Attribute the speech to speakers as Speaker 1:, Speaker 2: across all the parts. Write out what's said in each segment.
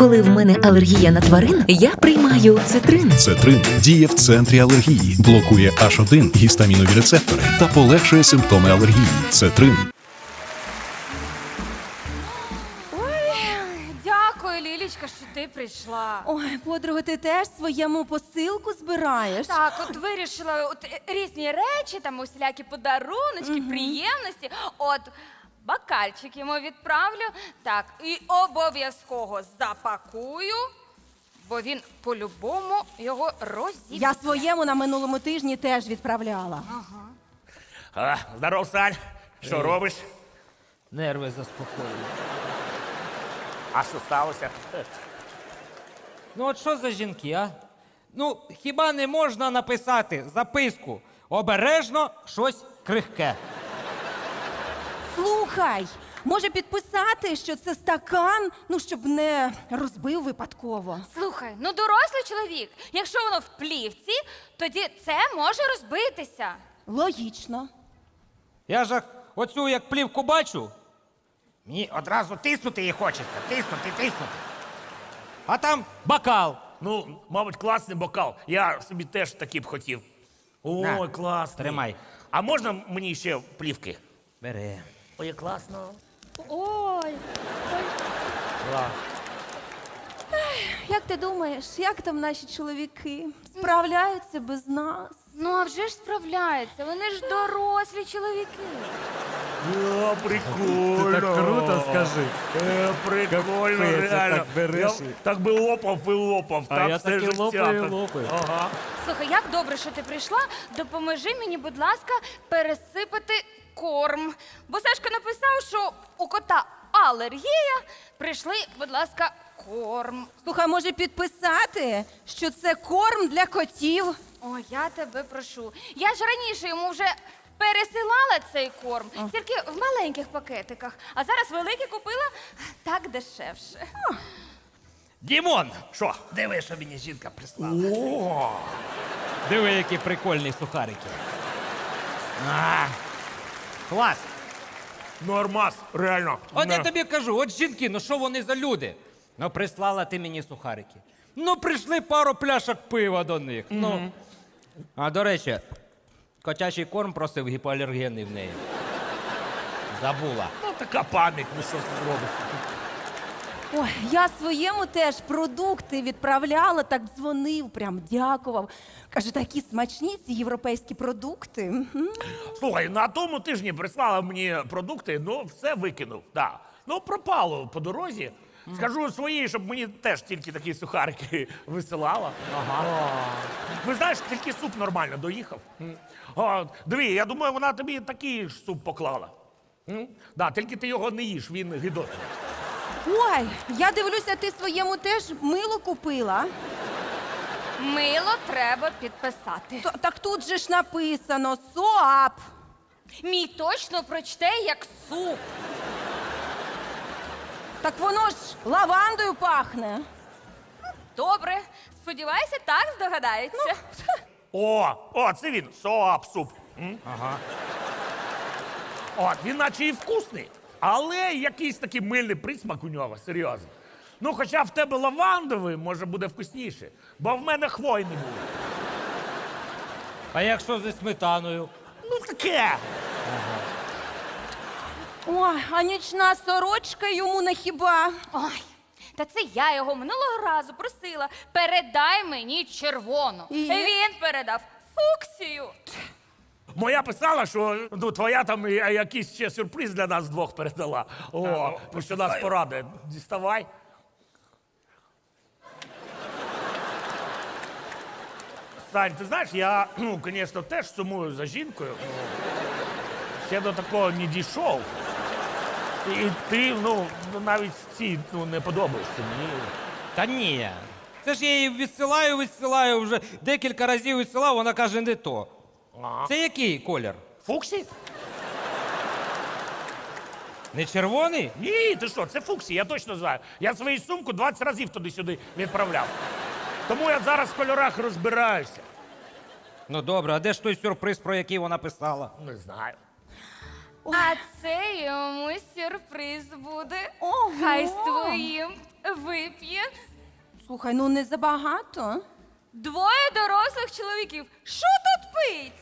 Speaker 1: Коли в мене алергія на тварин, я приймаю цитрин.
Speaker 2: Цетрин діє в центрі алергії, блокує H1 гістамінові рецептори та полегшує симптоми алергії. Цетрин.
Speaker 3: Дякую, Лілічка, що ти прийшла.
Speaker 4: Ой, подруга, ти теж своєму посилку збираєш?
Speaker 3: Так, от вирішила різні речі, там усілякі подаруночки, приємності. От бокальчик йому відправлю. Так, і обов'язково запакую, бо він по-любому його розіб'є.
Speaker 4: Я своєму на минулому тижні теж відправляла.
Speaker 5: Здоров, Сань. Що робиш?
Speaker 6: Нерви заспокоюю.
Speaker 5: А що сталося?
Speaker 6: Ну от що за жінки, а? Ну, хіба не можна написати записку? Обережно щось крихке.
Speaker 4: Слухай, може підписати, що це стакан, ну, щоб не розбив випадково.
Speaker 3: Слухай, ну дорослий чоловік, якщо воно в плівці, тоді це може розбитися.
Speaker 4: Логічно.
Speaker 6: Я ж оцю як плівку бачу,
Speaker 5: Мені одразу тиснути її хочеться. Тиснути.
Speaker 6: а там бокал.
Speaker 5: Ну, мабуть, класний бокал. Я собі теж такий б хотів. Ой,
Speaker 6: На,
Speaker 5: класний.
Speaker 6: тримай.
Speaker 5: А можна мені ще плівки?
Speaker 6: Бери.
Speaker 5: Ой, класно.
Speaker 3: Ой.
Speaker 4: Як ти думаєш, як там наші чоловіки? Справляються без нас?
Speaker 3: Ну, а вже ж справляються, вони ж дорослі чоловіки.
Speaker 5: О, прикольно.
Speaker 6: Ти так круто скажи.
Speaker 5: Прикольно,
Speaker 6: Капець,
Speaker 5: реально.
Speaker 6: так береш
Speaker 5: Я
Speaker 6: і-
Speaker 5: так би лопав і лопав.
Speaker 6: А
Speaker 5: так
Speaker 6: я
Speaker 5: все
Speaker 6: так і
Speaker 5: життя.
Speaker 6: лопаю,
Speaker 5: так.
Speaker 6: лопаю.
Speaker 5: Ага.
Speaker 3: Слухай, як добре, що ти прийшла. Допоможи мені, будь ласка, пересипати корм. Бо Сашка написав, що у кота алергія. Прийшли, будь ласка, корм.
Speaker 4: Слухай, може підписати, що це корм для котів?
Speaker 3: Ой, я тебе прошу. Я ж раніше йому вже пересилала цей корм, тільки в маленьких пакетиках. А зараз великий купила так дешевше.
Speaker 6: Дімон!
Speaker 5: Що?
Speaker 6: Диви, що мені жінка прислала.
Speaker 5: О,
Speaker 6: Диви, які прикольні сухарики. Клас!
Speaker 5: нормас, реально.
Speaker 6: От я
Speaker 5: Не.
Speaker 6: тобі кажу, от жінки, ну що вони за люди? Ну, прислала ти мені сухарики. Ну, прийшли пару пляшок пива до них. Ну. А до речі, котячий корм просив гіпоалергенний в неї. Забула.
Speaker 5: Ну, така пам'ять, ну що ти зробиш?
Speaker 4: Ой, я своєму теж продукти відправляла, так дзвонив, прям дякував. Каже, такі смачні ці європейські продукти. Мгм.
Speaker 5: Слухай, на тому тижні прислала мені продукти, ну все викинув. Да. Ну, пропало по дорозі. Скажу своїй, щоб мені теж тільки такі сухарики висилала. Ага. Ви знаєш, тільки суп нормально доїхав. Диви, я думаю, вона тобі такий ж суп поклала. Да, тільки ти його не їш, він гидотний.
Speaker 4: Ой, я дивлюся, ти своєму теж мило купила.
Speaker 3: Мило треба підписати.
Speaker 4: Так тут же ж написано СОАП.
Speaker 3: Мій точно прочте як суп.
Speaker 4: Так воно ж лавандою пахне.
Speaker 3: Добре, сподіваюся, так здогадається.
Speaker 5: О, це він, соап суп. Ага. От, він наче і вкусний, але якийсь такий мильний присмак у нього, серйозно. Ну, хоча в тебе лавандовий, може, буде вкусніше, бо в мене хвойний був.
Speaker 6: А якщо зі сметаною?
Speaker 5: Ну, таке.
Speaker 4: Ой, а нічна сорочка йому не хіба.
Speaker 3: Ой, та це я його минулого разу просила. Передай мені червону.
Speaker 4: І?
Speaker 3: Він передав фуксію.
Speaker 5: Моя писала, що ну, твоя там якийсь ще сюрприз для нас двох передала. О, ну, що нас порадує. Діставай. Сань, ти знаєш, я, ну, звісно, теж сумую за жінкою. Ще до такого не дійшов. І ти, ну, навіть ці не подобаєшся мені.
Speaker 6: Та ні. Це ж я її відсилаю, вже декілька разів відсилав, вона каже, не то.
Speaker 5: Ага.
Speaker 6: Це який колір?
Speaker 5: Фуксі?
Speaker 6: Не червоний?
Speaker 5: Ні, ти що, це Фуксі, я точно знаю. Я свою сумку 20 разів туди-сюди відправляв. Тому я зараз в кольорах розбираюся.
Speaker 6: Ну добре, а де ж той сюрприз, про який вона писала?
Speaker 5: Не знаю.
Speaker 3: А це йому сюрприз буде.
Speaker 4: Ого.
Speaker 3: Хай з твоїм вип'є?
Speaker 4: Слухай, ну не забагато.
Speaker 3: 2 дорослих чоловіків. Що тут пить?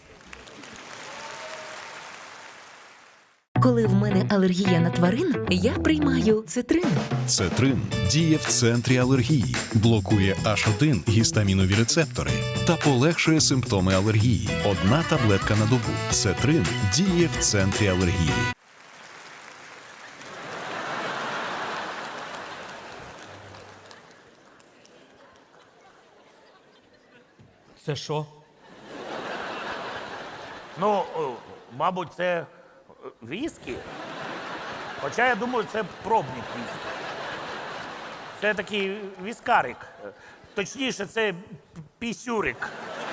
Speaker 1: Коли в мене алергія на тварин, я приймаю цитрин.
Speaker 2: Цетрин діє в центрі алергії, блокує H1 гістамінові рецептори та полегшує симптоми алергії. Одна таблетка на добу. Цетрин діє в центрі алергії.
Speaker 6: Це що?
Speaker 5: Ну, мабуть, це віскі. Хоча я думаю, це пробник віскі. Це такий віскарик. Точніше, це пісюрик.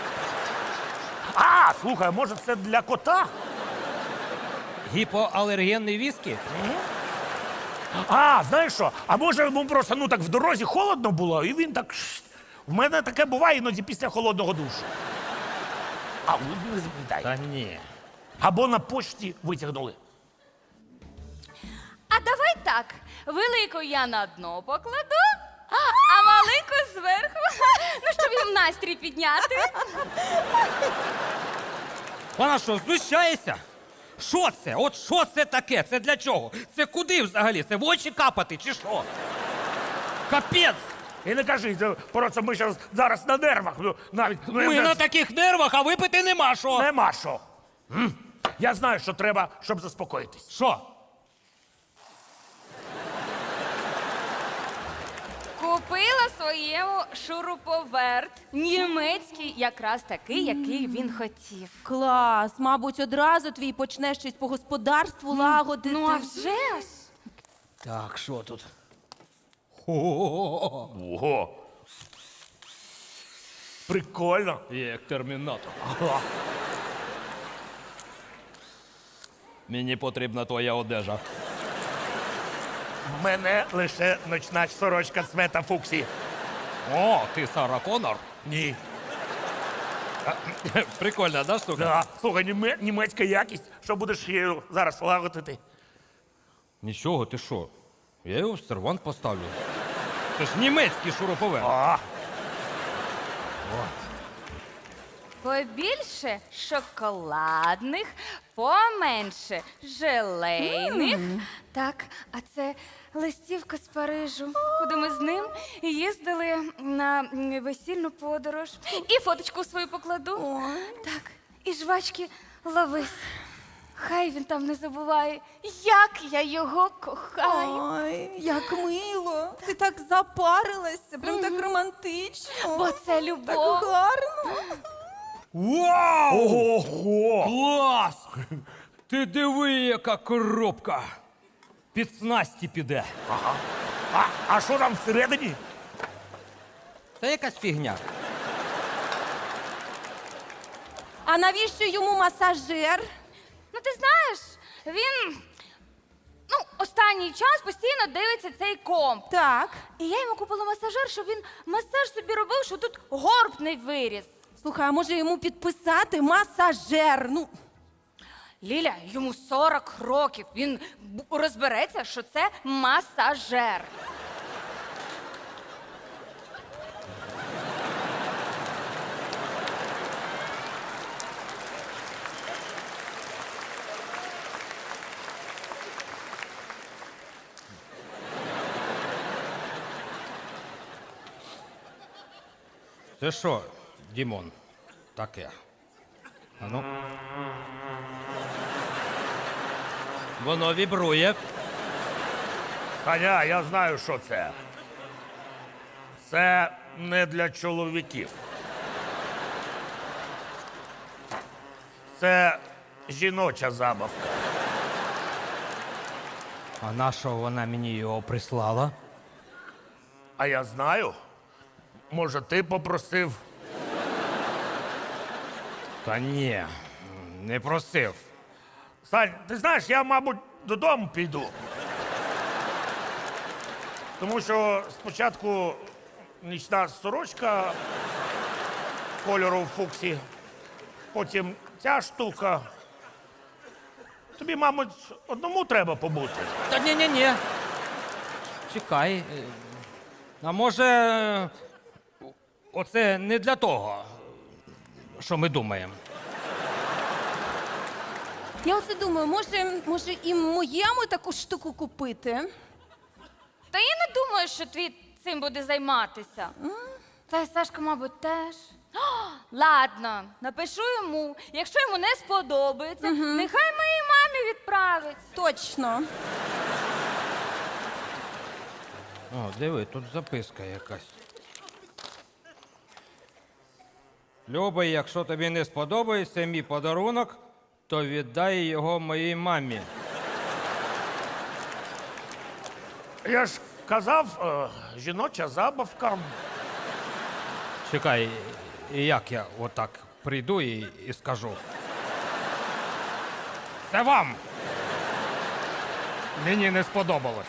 Speaker 5: А, слухай, може це для кота?
Speaker 6: Гіпоалергенний віскі?
Speaker 5: А, знаєш що? А може йому просто ну так в дорозі холодно було, і він так. В мене таке буває іноді після холодного душу. А, ну, не запам'ятай.
Speaker 6: Та ні.
Speaker 5: Або на почті витягнули.
Speaker 3: А давай так. Велику я на дно покладу, а малику зверху. Ну, щоб їм настрій підняти.
Speaker 6: Вона що, знущається? Що це? От що це таке? Це для чого? Це куди взагалі? Це в очі капати чи що? Капець!
Speaker 5: І не кажи, це просто ми зараз на нервах. Ну, навіть ну,
Speaker 6: Ми на таких нервах, а випити нема що.
Speaker 5: нема що. Я знаю, що треба, щоб заспокоїтись.
Speaker 6: Що?
Speaker 3: Купила своєму шуруповерт. Німецький, якраз такий, який він хотів.
Speaker 4: Клас, мабуть, одразу твій почне щось по господарству лагодити.
Speaker 3: Ну, а вже ж.
Speaker 6: Так, що тут?
Speaker 5: Ого. Прикольно.
Speaker 6: Як термінатор. Мені потрібна твоя одежа.
Speaker 5: В мене лише ночна сорочка цвета фуксі.
Speaker 6: О, ти Сара Коннор?
Speaker 5: Ні.
Speaker 6: Прикольна, да, штука?
Speaker 5: Да. Слухай, німецька якість. Що будеш її зараз лагодити?
Speaker 6: Нічого, ти що? Я його в сервант поставлю. Це ж німецький шуруповерт.
Speaker 5: А,
Speaker 3: Побільше шоколадних, поменше желейних. Так, а це листівка з Парижу, куди ми з ним їздили на весільну подорож. І фоточку свою покладу. Так, і жвачки ловись. Хай він там не забуває, як я його кохаю.
Speaker 4: Ой, як мило. Ти так запарилася, прям так романтично.
Speaker 3: Бо це
Speaker 4: Так
Speaker 3: любов.
Speaker 4: гарно.
Speaker 6: Вау!
Speaker 5: ого!
Speaker 6: Клас! Ти диви, яка коробка! Під снасті піде.
Speaker 5: А що там всередині?
Speaker 6: Це якась фігня.
Speaker 4: А навіщо йому масажер?
Speaker 3: Ну, ти знаєш, він останній час постійно дивиться цей комп.
Speaker 4: Так.
Speaker 3: І я йому купила масажер, щоб він масаж собі робив, що тут горб не виріс.
Speaker 4: Слухай, а може йому підписати масажер? Ну,
Speaker 3: Ліля, йому 40 років. Він розбереться, що це масажер.
Speaker 6: Це що, Дімон? Таке. Ану. Воно вібрує.
Speaker 5: Таня, я знаю, що це. Це не для чоловіків. Це жіноча забавка.
Speaker 6: А на що вона мені його прислала?
Speaker 5: А я знаю. Може, ти попросив?
Speaker 6: Та ні, не просив.
Speaker 5: Сань, ти знаєш, я, мабуть, додому піду. Тому що спочатку нічна сорочка кольору фуксі, потім ця штука. Тобі, мабуть, одному треба побути.
Speaker 6: Та ні-ні-ні. Чекай. А може, оце не для того, що ми думаємо.
Speaker 4: Я оце думаю, може і моєму таку штуку купити?
Speaker 3: Та я не думаю, що твій цим буде займатися. Та й Сашка, мабуть, теж. О, ладно, напишу йому. Якщо йому не сподобається, нехай моїй мамі відправить.
Speaker 4: Точно.
Speaker 6: О, диви, тут записка якась. Любий, якщо тобі не сподобається мій подарунок, то віддай його моїй мамі.
Speaker 5: Я ж казав, жіноча забавка.
Speaker 6: Чекай, і як я отак прийду і скажу? Це вам! Мені не сподобалось.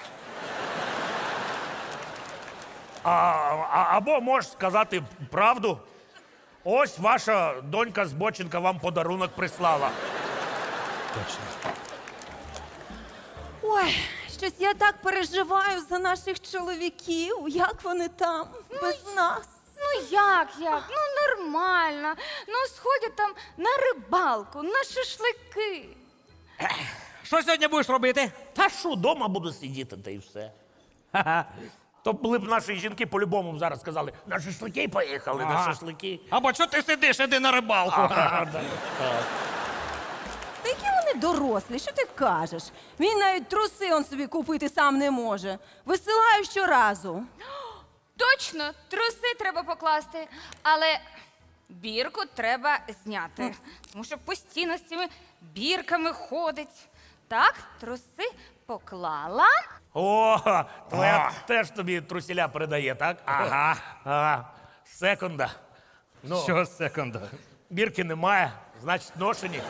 Speaker 5: Або можеш сказати правду. Ось ваша донька Збоченка вам подарунок прислала.
Speaker 6: Точно.
Speaker 4: Ой, щось я так переживаю за наших чоловіків. Як вони там без нас?
Speaker 3: Ну як? Ну нормально. Ну сходять там на рибалку, на шашлики.
Speaker 6: Що сьогодні будеш робити?
Speaker 5: Та що, дома буду сидіти, та й все. То були б наші жінки по-любому зараз сказали, на шашлики поїхали, на шашлики.
Speaker 6: Або що ти сидиш, іди на рибалку.
Speaker 4: Та які вони дорослі, що ти кажеш? Він навіть труси он собі купити сам не може. Висилаю щоразу.
Speaker 3: Точно, труси треба покласти, але бірку треба зняти. Тому що постійно з цими бірками ходить. Так, труси поклала.
Speaker 5: О, твоя теж тобі трусіля передає, так? Ага. Секунда. Ну,
Speaker 6: Що секунда?
Speaker 5: бірки немає, значить ношені.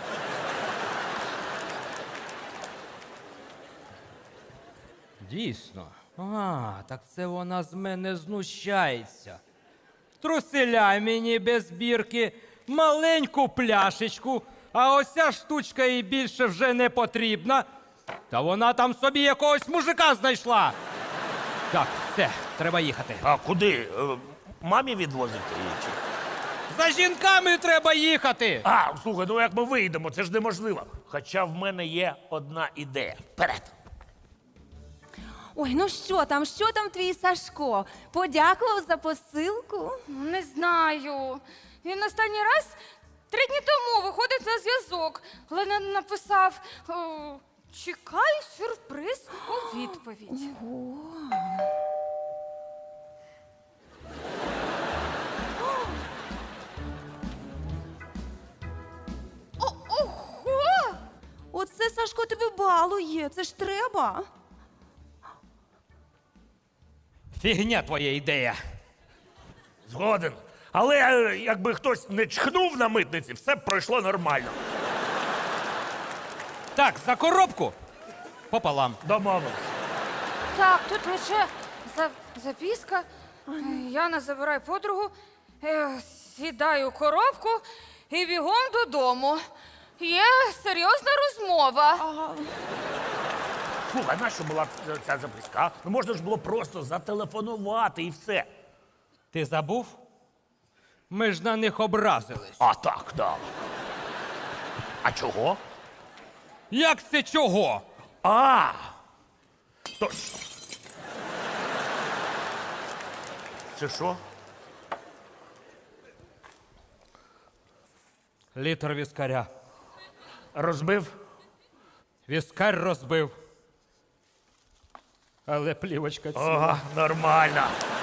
Speaker 6: Дійсно. Так це вона з мене знущається. Труселя мені без бірки, маленьку пляшечку, а ось ця штучка їй більше вже не потрібна. Та вона там собі якогось мужика знайшла. Так, все, треба їхати.
Speaker 5: А куди? Мамі відвозити її? Чи?
Speaker 6: За жінками треба їхати.
Speaker 5: Слухай, ну як ми вийдемо, це ж неможливо. Хоча в мене є одна ідея. Вперед!
Speaker 4: Ой, ну що там твій Сашко? Подякував за посилку?
Speaker 3: Не знаю. Він останній раз 3 дні тому виходить на зв'язок, але написав: чекаю сюрприз у відповідь. Ого!
Speaker 4: Оце Сашко тебе балує, це ж треба.
Speaker 6: Фігня твоя ідея.
Speaker 5: Згоден. Але якби хтось не чхнув на митниці, все б пройшло нормально.
Speaker 6: Так, за коробку пополам.
Speaker 5: Домовились.
Speaker 3: Так, тут лише записка. Яна забирає подругу, сідаю у коробку і бігом додому. Є серйозна розмова.
Speaker 5: Слухай, нащо була ця записка? Ну можна ж було просто зателефонувати і все.
Speaker 6: Ти забув? Ми ж на них образились.
Speaker 5: А так, да. А чого?
Speaker 6: Як це чого?
Speaker 5: То... Це що?
Speaker 6: Літр віскаря.
Speaker 5: Розбив?
Speaker 6: Віскар розбив. Але плівочка ціла.
Speaker 5: Нормально.